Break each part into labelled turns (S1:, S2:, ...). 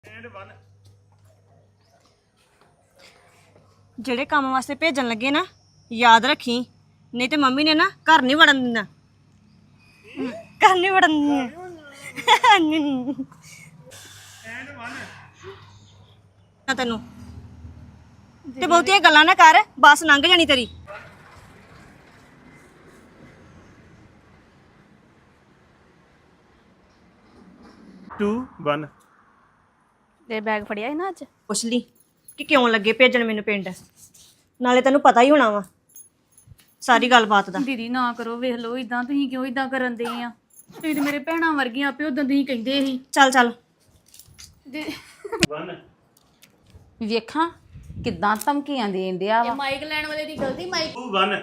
S1: ਜਿਹੜੇ ਕੰਮ ਵਾਸਤੇ ਭੇਜਣ ਲੱਗੇ ਨਾ ਯਾਦ ਰੱਖੀ, ਨਹੀਂ ਤੇ ਮੰਮੀ ਨੇ ਨਾ ਘਰ ਨਹੀਂ ਵੜਨ ਦਿੰਦਾ। ਘਰ ਨਹੀਂ ਵੜਨ ਦਿੰਦਾ। ਤੈਨੂੰ ਤੇ ਬਹੁਤੀਆਂ ਗੱਲਾਂ ਨਾ ਕਰ, ਬੱਸ ਲੰਘ ਜਾਣੀ ਤੇਰੀ।
S2: ਤੇ ਬੈਗ ਫੜਿਆ ਸੀ ਨਾ ਅੱਜ।
S1: ਪੁੱਛ ਲਈ ਕਿ ਕਿਉਂ ਲੱਗੇ ਭੇਜਣ ਮੈਨੂੰ ਪਿੰਡ, ਨਾਲੇ ਤੈਨੂੰ ਪਤਾ ਹੀ ਹੋਣਾ ਵਾ ਸਾਰੀ ਗੱਲਬਾਤ ਦਾ।
S2: ਦੀਦੀ ਨਾ ਕਰੋ, ਵੇਖ ਲਓ ਇਦਾਂ ਤੁਸੀਂ ਕਿਉਂ ਇਦਾਂ ਕਰਨ ਦੇ ਆ? ਤੁਸੀਂ ਤੇ ਮੇਰੇ ਭੈਣਾਂ ਵਰਗੀਆਂ, ਆਪੇ ਉਦੋਂ ਤੁਸੀਂ ਕਹਿੰਦੇ ਸੀ।
S1: ਚੱਲ ਚੱਲ
S3: ਵੇਖਾਂ ਕਿੱਦਾਂ ਧਮਕੀਆਂ ਦੇਣ ਡਿਆ ਵਾ।
S2: ਮਾਈਕ ਲੈਣ ਵਾਲੇ ਦੀ ਗਲਤੀ। ਮਾਈਕ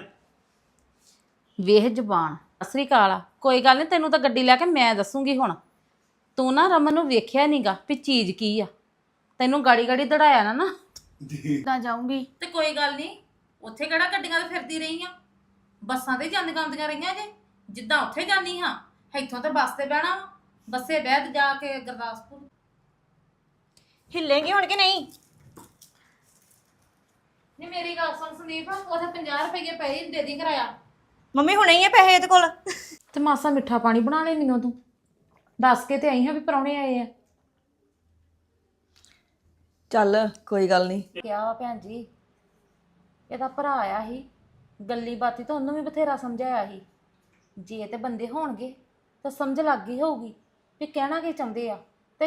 S3: ਵੇਖ ਜ਼ਬਾਨ ਅਸਰੀ ਕਾਲਾ। ਕੋਈ ਗੱਲ ਨਹੀਂ, ਤੈਨੂੰ ਤਾਂ ਗੱਡੀ ਲੈ ਕੇ ਮੈਂ ਦੱਸੂਗੀ। ਹੁਣ ਤੂੰ ਨਾ ਰਮਨ ਨੂੰ ਵੇਖਿਆ ਨਹੀਂਗਾ ਵੀ ਚੀਜ਼ ਕੀ ਆ। ਤੈਨੂੰ ਗਾੜੀ ਗਾੜੀ ਦੜਾਇਆ ਨਾ
S2: ਤਾਂ ਜਾਊਂਗੀ।
S3: ਤੇ ਕੋਈ ਗੱਲ ਨਹੀਂ, ਉੱਥੇ ਕਿਹੜਾ ਗੱਡੀਆਂ ਤੇ ਫਿਰਦੀ ਰਹੀ ਆ, ਬੱਸਾਂ ਤੇ ਜਾਂਦੀਆਂ ਆਉਂਦੀਆਂ ਰਹੀਆਂ ਜੇ। ਜਿੱਦਾਂ ਉੱਥੇ ਜਾਂਦੀ ਹਾਂ, ਇੱਥੋਂ ਤੇ ਬੱਸ ਤੇ ਬਹਿਣਾ ਵਾ, ਬੱਸੇ ਬਹਿ ਤੇ ਜਾ ਕੇ ਗੁਰਦਾਸਪੁਰ।
S1: ਹਿੱਲੇਂਗੀ ਹੁਣ ਕਿ ਨਹੀਂ?
S3: ਨਹੀਂ ਮੇਰੀ ਗੱਲ ਸੁਣ ਸੰਦੀਪ, ਉੱਥੇ 50 ਰੁਪਏ ਪਏ ਦੇ ਦੀ ਕਰਾਇਆ।
S1: ਮੰਮੀ ਹੁਣੇ ਹੀ ਆ ਪੈਸੇ ਇਹਦੇ ਕੋਲ।
S3: ਤੇ ਮਾਸਾ ਮਿੱਠਾ ਪਾਣੀ ਬਣਾ ਲੈ ਮੈਨੂੰ, ਤੂੰ ਦੱਸ ਕੇ ਤੇ ਆਈ ਹਾਂ ਵੀ ਪ੍ਰਾਹੁਣੇ ਆਏ ਆ।
S1: ਚੱਲ ਕੋਈ ਗੱਲ ਨਹੀਂ।
S3: ਕਿਹਾ ਵਾ ਭੈਣ ਜੀ, ਇਹਦਾ ਭਰਾ ਆਇਆ ਸੀ, ਗੱਲੀ ਬਾਤੀ ਤਾਂ ਉਹਨੂੰ ਵੀ ਬਥੇਰਾ ਸਮਝਾਇਆ ਸੀ। ਜੇ ਤੇ ਬੰਦੇ ਹੋਣਗੇ ਤਾਂ ਸਮਝ ਲੱਗ ਗਈ ਹੋਊਗੀ ਵੀ ਕਹਿਣਾ ਕੀ ਚਾਹੁੰਦੇ ਆ। ਤੇ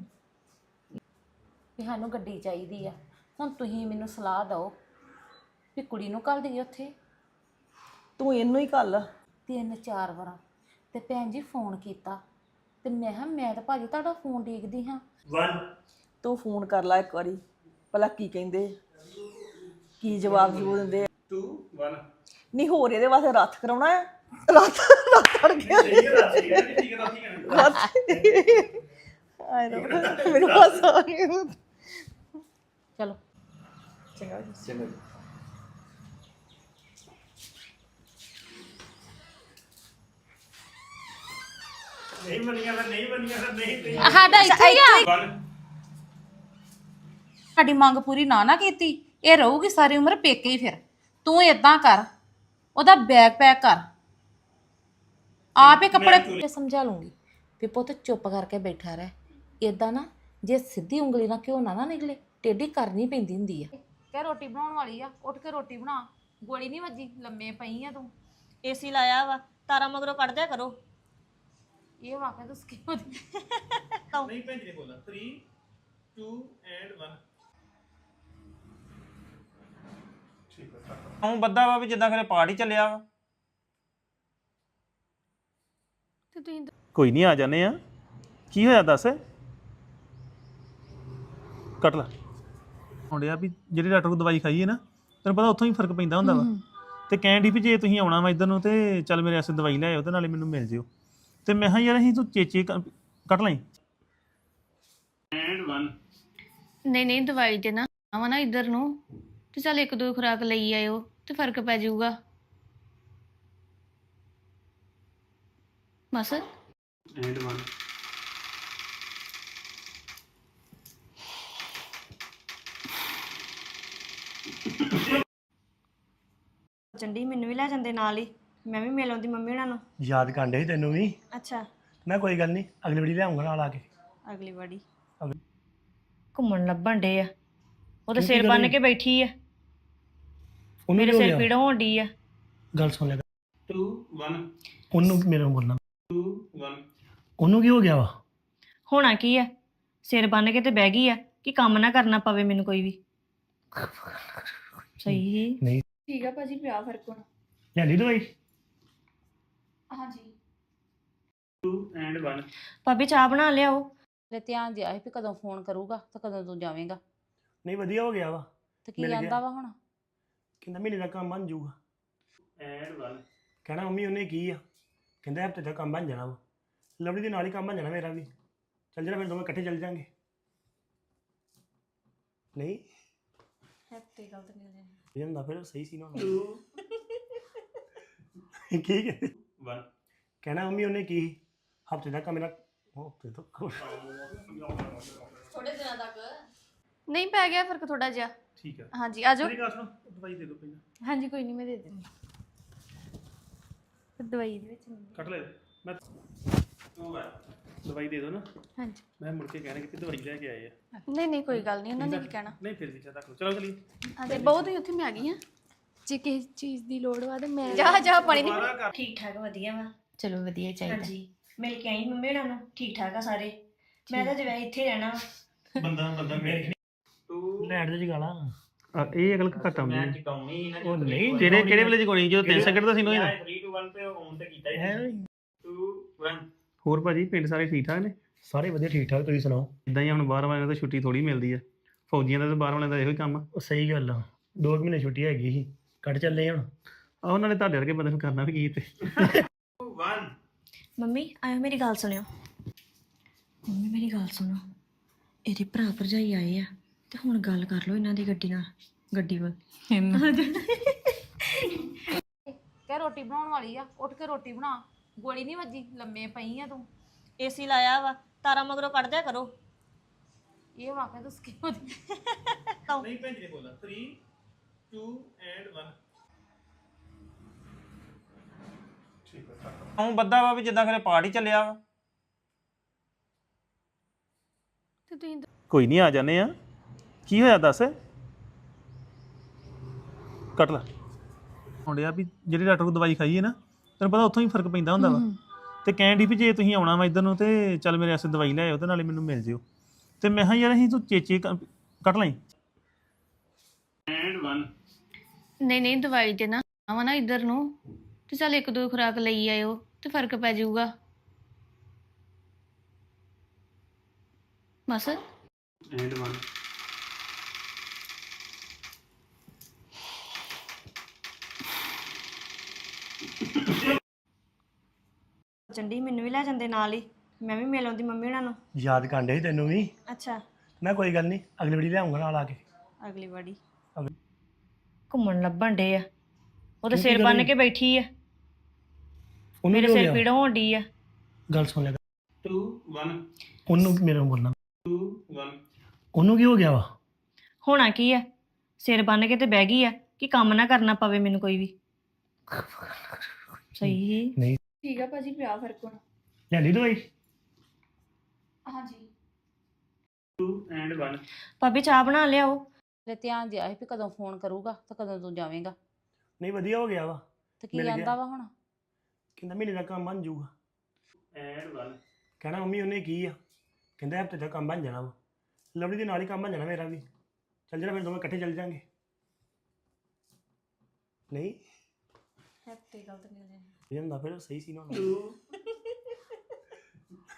S3: ਵੀ ਸਾਨੂੰ ਗੱਡੀ ਚਾਹੀਦੀ ਆ। ਹੁਣ ਤੁਸੀਂ ਮੈਨੂੰ ਸਲਾਹ ਦਿਓ ਵੀ ਕੁੜੀ ਨੂੰ ਘੱਲ ਦੇਈਏ ਉੱਥੇ।
S1: ਤੂੰ ਇਹਨੂੰ ਹੀ ਘੱਲ।
S3: 3-4 ਵਾਰਾਂ ਤੇ ਭੈਣ ਜੀ ਫੋਨ ਕੀਤਾ ਤੇ ਮੈਂ ਕਿਹਾ ਮੈਂ ਤਾਂ ਭਾਜੀ ਤੁਹਾਡਾ ਫੋਨ ਦੇਖਦੀ ਹਾਂ।
S1: ਤੂੰ ਫੋਨ ਕਰ ਲੈ ਇੱਕ ਵਾਰੀ, ਭਲਾ ਕੀ ਕਹਿੰਦੇ, ਕੀ ਜਵਾਬ ਦਿੰਦੇ।
S4: 2 1
S1: ਨਹੀਂ ਹੋਰ ਇਹਦੇ ਵਾਸਤੇ ਰੱਥ ਕਰਾਉਣਾ ਆ। ਰੱਥ ਅੜ ਗਿਆ ਆਏ ਨਾ ਮੈਨੂੰ ਹਾਸਾ ਆ ਗਿਆ।
S3: ਚਲੋ
S1: ਚੰਗਾ
S4: ਨਹੀਂ ਬਣੀਆਂ ਫਿਰ ਨਹੀਂ
S3: ਸਾਡਾ ਇੱਥੇ ਹੀ ਆ।
S4: 1
S3: ਸਾਡੀ ਮੰਗ ਪੂਰੀ ਨਾ ਕੀਤੀ, ਇਹ ਰਹੂਗੀ ਸਾਰੀ ਉਮਰ ਪੇਕੇ ਹੀ। ਫਿਰ ਤੂੰ ਇਦਾਂ ਕਰ, ਉਹਦਾ ਬੈਗ ਪੈਕ ਕਰ, ਆਪ ਹੀ ਕੱਪੜੇ ਸਮਝਾ ਲੂੰਗੀ ਵੀ ਪੁੱਤ ਚੁੱਪ ਕਰਕੇ ਬੈਠਾ ਰਹਿ। ਇਦਾਂ ਨਾ ਜੇ ਸਿੱਧੀ ਉਂਗਲੀ ਨਾਲ ਘਿਓ ਨਾ ਨਿਕਲੇ, ਟੇਢੀ ਕਰਨੀ ਪੈਂਦੀ ਹੁੰਦੀ ਆ। ਕਹਿ ਰੋਟੀ ਬਣਾਉਣ ਵਾਲੀ ਆ, ਉੱਠ ਕੇ ਰੋਟੀ ਬਣਾ। ਗੋਲੀ ਨਹੀਂ ਵੱਜੀ, ਲੰਮੇ ਪਈ ਆ ਤੂੰ।
S1: ਏਸੀ ਲਾਇਆ ਵਾ, ਤਾਰਾ ਮਗਰੋਂ ਕੱਢ ਦਿਆ ਕਰੋ।
S3: ਇਹ ਵਾਕਿਆ ਤੂੰ ਸਕੀ ਹੋਦੀ
S4: ਨਹੀਂ ਭੈਣ ਜੀ ਨੇ ਬੋਲਣਾ 3 2 ਐਂਡ 1 ਠੀਕ ਹੈ।
S5: ਹੁਣ ਬੱਦਾ ਵਾ ਵੀ ਜਿੱਦਾਂ ਖਰੇ ਪਾਰਟੀ ਚੱਲਿਆ ਵਾ।
S2: ਤੇ ਤੁਸੀਂ
S5: ਕੋਈ ਨਹੀਂ, ਆ ਜਾਂਦੇ ਆ। ਕੀ ਹੋਇਆ ਦੱਸ। ਕੱਟ ਲੈ। ਹੁੰਦਿਆ ਵੀ ਜਿਹੜੀ ਡਾਕਟਰ ਕੋਲ ਦਵਾਈ ਖਾਈ ਹੈ ਨਾ, ਤੈਨੂੰ ਪਤਾ ਉੱਥੋਂ ਹੀ ਫਰਕ ਪੈਂਦਾ ਹੁੰਦਾ ਵਾ। ਤੇ ਕਹਿਣ ਦੀ ਵੀ ਜੇ ਤੁਸੀਂ ਆਉਣਾ ਵਾ ਇੱਧਰ ਨੂੰ ਤੇ ਚੱਲ ਮੇਰੇ ਵਾਸਤੇ ਦਵਾਈ ਲੈ ਆਓ ਤੇ ਨਾਲੇ ਮੈਨੂੰ ਮਿਲ ਜਿਓ। ਤੇ ਮੈਂ ਕਿਹਾ ਯਾਰ ਅਸੀਂ ਤੂੰ ਚੇਚੇ ਕੱਟ ਲਈ।
S4: ਐਂਡ 1
S2: ਨਹੀਂ ਦਵਾਈ ਦੇ ਨਾ ਆਵਾ ਨਾ ਇੱਧਰ ਨੂੰ, ਤੇ ਚੱਲ 1-2 ਖੁਰਾਕ ਲਈ ਆਇਓ ਤੇ ਫਰਕ ਪੈ ਜਾਊਗਾ ਬਸ।
S4: ਐਂਡ 1
S1: ਚੰਡੀ ਮੈਨੂੰ ਵੀ ਲੈ ਜਾਂਦੇ ਨਾਲ ਹੀ, ਮੈਂ ਵੀ ਮਿਲ ਆਉਂਦੀ ਮੰਮੀ ਉਹਨਾਂ ਨੂੰ।
S6: ਯਾਦ ਕਰਦੇ ਸੀ ਤੈਨੂੰ ਵੀ।
S1: ਅੱਛਾ
S6: ਮੈਂ ਕੋਈ ਗੱਲ ਨਹੀਂ, ਅਗਲੀ ਵਾਰੀ ਲਿਆਉਂਗਾ ਨਾਲ ਆ ਕੇ।
S1: ਅਗਲੀ ਵਾਰੀ ਘੁੰਮਣ ਲੱਭਣ ਡੇ ਆ, ਉਹ ਤਾਂ ਸਿਰ ਬੰਨ ਕੇ ਬੈਠੀ ਆ।
S6: ਉਹਨੂੰ
S1: ਮੇਰੇ
S6: ਕੀ ਹੋ
S1: ਸਿਰ
S6: ਗਿਆ?
S1: ਪੀੜ ਹੋਣ ਡਈ ਆ।
S6: ਗੱਲ ਸੁਣ ਲੈ।
S4: 2 1
S6: ਉਹਨੂੰ ਮੇਰੇ ਨੂੰ ਬੋਲਣਾ।
S4: 2 1
S6: ਉਹਨੂੰ ਕੀ ਹੋ ਗਿਆ ਵਾ?
S1: ਹੋਣਾ ਕੀ ਆ, ਸਿਰ ਬੰਨ ਕੇ ਤੇ ਬਹਿ ਗਈ ਆ ਕਿ ਕੰਮ ਨਾ ਕਰਨਾ ਪਵੇ ਮੈਨੂੰ ਕੋਈ ਵੀ। ਸਹੀ
S6: ਨਹੀਂ
S2: ਠੀਕ ਆ ਭਾਜੀ, ਪਿਆ ਫਰਕ ਹੁਣ।
S6: ਲਿਆਂਦੀ ਦਵਾਈ?
S2: ਹਾਂਜੀ
S4: 2 ਐਂਡ 1
S1: ਭਾਬੀ ਚਾਹ ਬਣਾ ਲਿਆਓ।
S3: ਤੇ ਧਿਆਨ ਦਿਆ ਸੀ ਵੀ ਕਦੋਂ ਫੋਨ ਕਰੂਗਾ ਤੇ ਕਦੋਂ ਤੂੰ ਜਾਵੇਂਗਾ।
S6: ਨਹੀਂ ਵਧੀਆ ਹੋ ਗਿਆ ਵਾ।
S3: ਤੇ ਕੀ
S6: ਮਿਲ ਗਿਆ।
S3: ਆਂਦਾ ਵਾ ਹੁਣ?
S6: ਕਹਿੰਦਾ ਮਹੀਨੇ ਦਾ ਕੰਮ ਬਣ ਜਾਊਗਾ।
S4: ਐਂਡ 1
S6: ਕਹਿਣਾ ਮੰਮੀ ਉਹਨੇ ਕੀ ਆ, ਕਹਿੰਦਾ ਹਫ਼ਤੇ ਦਾ ਕੰਮ ਬਣ ਜਾਣਾ ਵਾ। ਲਵਲੀ ਦੇ ਨਾਲ ਹੀ ਕੰਮ ਬਣ ਜਾਣਾ ਮੇਰਾ ਵੀ। ਚੱਲ ਜਾਣਾ ਫਿਰ ਦੋਵੇਂ ਇਕੱਠੇ ਚੱਲ ਜਾਾਂਗੇ। ਨਹੀਂ
S1: ਹੈਪੀ ਗੱਲ ਤੇ ਮਿਲ ਜਾਣੀ।
S6: ਇਹ ਹੁੰਦਾ ਫਿਰ ਸਹੀ ਸੀ ਨਾ।
S4: 2
S6: ਕੀ ਕਹਿੰਦੇ?
S4: 1
S6: ਕਹਿਣਾ ਮੰਮੀ ਉਹਨੇ ਕੀ, ਹਫ਼ਤੇ ਦਾ ਕੰਮ ਮੇਰਾ ਹਫ਼ਤੇ ਤੋਂ
S2: ਨਹੀਂ ਪੈ ਗਿਆ ਫਰਕ ਥੋੜਾ ਜਿਹਾ
S5: ਠੀਕ ਆ
S2: ਹਾਂਜੀ ਆ ਜਾਓ
S5: ਮੇਰੀ ਗੱਲ ਸੁਣੋ ਦਵਾਈ ਦੇ ਦਿਓ ਪਹਿਲਾਂ
S2: ਹਾਂਜੀ ਕੋਈ ਨਹੀਂ ਮੈਂ ਦੇ ਦਿੰਦੀ ਦਵਾਈ ਦੇ ਵਿੱਚ
S5: ਕੱਟ ਲੈ ਮੈਂ ਦਵਾਈ ਦੇ ਦਿਓ ਨਾ
S2: ਹਾਂਜੀ
S5: ਮੈਂ ਮੁੜ ਕੇ ਕਹਿਣਾ ਕਿ ਦਵਾਈ ਲੈ ਕੇ ਆਏ ਆ
S2: ਨਹੀਂ ਕੋਈ ਗੱਲ ਨਹੀਂ ਉਹਨਾਂ ਨੇ ਕੀ ਕਹਿਣਾ
S5: ਨਹੀਂ ਫਿਰ ਵੀ ਚਾਹ ਚਲੋ ਚਲੀਏ
S2: ਹਾਂਜੀ ਬਹੁਤ ਹੀ ਉੱਥੇ ਮੈਂ ਆ ਗਈ ਹਾਂ
S7: ਜੇ ਕਿਸੇ ਚੀਜ਼ ਦੀ ਲੋੜ ਵਾ ਤੇ ਮੈਂ
S2: ਜਾ ਪਾਣੀ ਦੀ
S1: ਠੀਕ ਠਾਕ ਵਧੀਆ ਵਾ
S2: ਚਲੋ ਵਧੀਆ ਚਾਹੀਦਾ
S1: ਹਾਂਜੀ ਮਿਲ ਕੇ ਆਈ ਮੰਮੀ ਉਹਨਾਂ ਨੂੰ ਠੀਕ ਠਾਕ ਆ ਸਾਰੇ ਮੈਂ ਤਾਂ ਜਿਵੇਂ ਇੱਥੇ ਰਹਿਣਾ ਵਾ
S5: ਬੰਦਾ ਮੈਂ
S6: ਲੈਟ ਦੇ ਜਗਾਲਾ
S5: ਇਹ ਅਗਲ ਘਟਾ
S4: ਮੈਂ ਚਕਾਉਣੀ ਨਾ
S6: ਉਹ ਨਹੀਂ
S5: ਕਿਹੜੇ ਵੇਲੇ ਜਗਾਉਣੀ ਜਦੋਂ 3 ਸੈਕਿੰਡ ਦਾ ਸੀ ਨੋਈ
S4: 3 2 1 ਤੇ ਔਨ ਤੇ ਕੀਤਾ ਹੀ 2 1
S5: ਹੋਰ ਭਾਜੀ ਪਿੰਡ ਸਾਰੇ ਠੀਕ ਠਾਕ ਨੇ
S6: ਸਾਰੇ ਵਧੀਆ ਠੀਕ ਠਾਕ ਤੁਸੀਂ ਸੁਣਾਓ
S5: ਇਦਾਂ ਹੀ ਹੁਣ ਬਾਹਰ ਵਾਲਿਆਂ ਦਾ ਛੁੱਟੀ ਥੋੜੀ ਮਿਲਦੀ ਆ ਫੌਜੀਆਂ ਦਾ ਤੇ ਬਾਹਰ ਵਾਲਿਆਂ ਦਾ ਇਹੋ ਹੀ ਕੰਮ ਆ
S6: ਉਹ ਸਹੀ ਗੱਲ ਆ 2 ਮਹੀਨੇ ਛੁੱਟੀ ਹੈਗੀ ਸੀ ਕੱਢ ਚੱਲੇ ਹੁਣ
S5: ਆਹ ਉਹਨਾਂ ਨੇ ਤੁਹਾਡੇ ਵਰਗੇ ਬੰਦੇ ਨੂੰ ਕਰਨਾ ਵੀ ਕੀ ਤੇ
S4: 2 1
S1: ਮੰਮੀ ਆਇਓ ਮੇਰੀ ਗੱਲ ਸੁਣਿਓ ਮੰਮੀ ਮੇਰੀ ਗੱਲ ਸੁਣੋ ਇਹਦੇ ਭਰਾ ਭਰਜਾਈ ਆਏ ਆ ਤੇ ਹੁਣ ਗੱਲ ਕਰ ਲਓ ਇਹਨਾਂ ਦੀ ਗੱਡੀ ਵੱਲ
S3: ਕਹਿ ਰੋਟੀ ਬਣਾਉਣ ਵਾਲੀ ਆ ਉੱਠ ਕੇ ਰੋਟੀ ਬਣਾ ਗੋਲੀ ਨਹੀਂ ਵੱਜੀ ਲੰਮੇ ਪਈ ਆ ਤੂੰ
S1: ਏਸੀ ਲਾਇਆ ਵਾ ਤਾਰਾ ਮਗਰੋਂ ਕੱਢ ਦਿਆ ਕਰੋ
S3: ਇਹ ਵਾਕਿਆ ਤੂੰ ਸਕੀ ਹੋਦੀ
S4: ਨਹੀਂ ਭੈਣ ਜੀ ਨੇ ਬੋਲਣਾ 3 2 ਐਂਡ 1
S8: ਹੂੰ ਬੱਦਾ ਵਾ ਵੀ ਜਿੱਦਾਂ ਖਰੇ ਪਾਰਟੀ ਚੱਲਿਆ ਵਾ
S2: ਤੇ ਤੁਸੀਂ
S5: ਕੋਈ ਨਹੀਂ ਆ ਜਾਣੇ ਆ ਕੀ ਹੋਇਆ ਦੱਸ ਕੱਟ ਲੈ ਹੁੰਦਿਆ ਵੀ ਜਿਹੜੀ ਡਾਕਟਰ ਕੋਲ ਦਵਾਈ ਖਾਈ ਹੈ ਨਾ ਤੈਨੂੰ ਪਤਾ ਉੱਥੋਂ ਹੀ ਫਰਕ ਪੈਂਦਾ ਹੁੰਦਾ ਵਾ ਤੇ ਕਹਿਣ ਦੀ ਵੀ ਜੇ ਤੁਸੀਂ ਆਉਣਾ ਵਾ ਇੱਧਰ ਨੂੰ ਤੇ ਚੱਲ ਮੇਰੇ ਵਾਸਤੇ ਦਵਾਈ ਲੈ ਆਇਓ ਤੇ ਨਾਲੇ ਮੈਨੂੰ ਮਿਲ ਜਿਓ ਤੇ ਮੈਂ ਕਿਹਾ ਯਾਰ ਅਸੀਂ ਤੂੰ ਚੇਚੇ ਕੱਟ ਲਈ
S4: ਐਂਡ 1
S2: ਨਹੀਂ ਦਵਾਈ ਤੇ ਨਾ ਆਵਾ ਨਾ ਇੱਧਰ ਨੂੰ ਤੇ ਚੱਲ ਇੱਕ ਦੋ ਖੁਰਾਕ ਲਈ ਆਇਓ ਤੇ ਫਰਕ ਪੈ ਜਾਊਗਾ ਬਸ
S4: ਐਂਡ 1
S1: ਚੰਡੀ ਮੈਨੂੰ ਵੀ ਲੈ ਜਾਂਦੇ ਨਾਲ ਹੀ ਮੈਂ ਵੀ ਮਿਲ ਆਉਂਦੀ ਮੰਮੀ ਉਹਨਾਂ ਨੂੰ
S6: ਯਾਦ ਕਾਂਡੇ ਸੀ ਤੈਨੂੰ ਵੀ
S1: ਅੱਛਾ
S6: ਮੈਂ ਕੋਈ ਗੱਲ ਨਹੀਂ ਅਗਲੀ ਵਾਰੀ ਲਿਆਉਂਗਾ ਨਾਲ ਆ ਕੇ
S1: ਅਗਲੀ ਵਾਰੀ ਘੁੰਮਣ ਲੱਭਣ ਡੇ ਆ ਉਹ ਤਾਂ ਸਿਰ ਬੰਨ ਕੇ ਬੈਠੀ ਆ
S6: ਉਹਨੂੰ
S1: ਮੇਰੇ
S6: ਕੀ ਹੋ
S1: ਸਿਰ
S6: ਗਿਆ?
S1: ਪੀੜ ਹੋਣ ਡਈ ਆ
S6: ਗੱਲ ਸੁਣ ਲੈ
S4: 2 1
S6: ਉਹਨੂੰ ਮੇਰੇ ਨੂੰ ਬੋਲਣਾ
S4: 2 1
S6: ਉਹਨੂੰ ਕੀ ਹੋ ਗਿਆ ਵਾ
S1: ਹੋਣਾ ਕੀ ਆ ਸਿਰ ਬੰਨ ਕੇ ਤੇ ਬਹਿ ਗਈ ਆ ਕਿ ਕੰਮ ਨਾ ਕਰਨਾ ਪਵੇ ਮੈਨੂੰ ਕੋਈ ਵੀ ਸਹੀ
S6: ਨਹੀਂ
S2: ਠੀਕ ਆ ਭਾਜੀ ਪਿਆ ਫਰਕ ਹੁਣ
S6: ਲੈਂਦੀ ਦਵਾਈ
S2: ਹਾਂਜੀ
S4: 2 ਐਂਡ 1
S1: ਭਾਬੀ ਚਾਹ ਬਣਾ ਲਿਆਓ
S3: ਤੇ ਧਿਆਨ ਦਿਆ ਸੀ ਵੀ ਕਦੋਂ ਫੋਨ ਕਰੂਗਾ ਤੇ ਕਦੋਂ ਤੂੰ ਜਾਵੇਂਗਾ
S6: ਨਹੀਂ ਵਧੀਆ ਹੋ ਗਿਆ ਵਾ
S3: ਤੇ ਕੀ
S6: ਮਿਲ ਗਿਆ।
S3: ਆਂਦਾ ਵਾ ਹੁਣ
S6: ਕਹਿੰਦਾ ਮਹੀਨੇ ਦਾ ਕੰਮ ਬਣ ਜਾਊਗਾ
S4: ਐਂਡ 1
S6: ਕਹਿਣਾ ਮੰਮੀ ਉਹਨੇ ਕੀ ਆ ਕਹਿੰਦਾ ਹਫਤੇ ਦਾ ਕੰਮ ਬਣ ਜਾਣਾ ਵਾ ਲਵਲੀ ਦੇ ਨਾਲ ਹੀ ਕੰਮ ਬਣ ਜਾਣਾ ਮੇਰਾ ਵੀ ਚੱਲ ਜਾਣਾ ਫਿਰ ਦੋਵੇਂ ਇਕੱਠੇ ਚੱਲ ਜਾਾਂਗੇ ਨਹੀਂ
S1: ਹੱਤੇ ਗਲਤ ਨਹੀਂ ਹੋ ਜਾਣੀ
S6: ਇਹ ਹੁੰਦਾ ਫਿਰ ਸਹੀ ਸੀ ਨਾ
S4: 2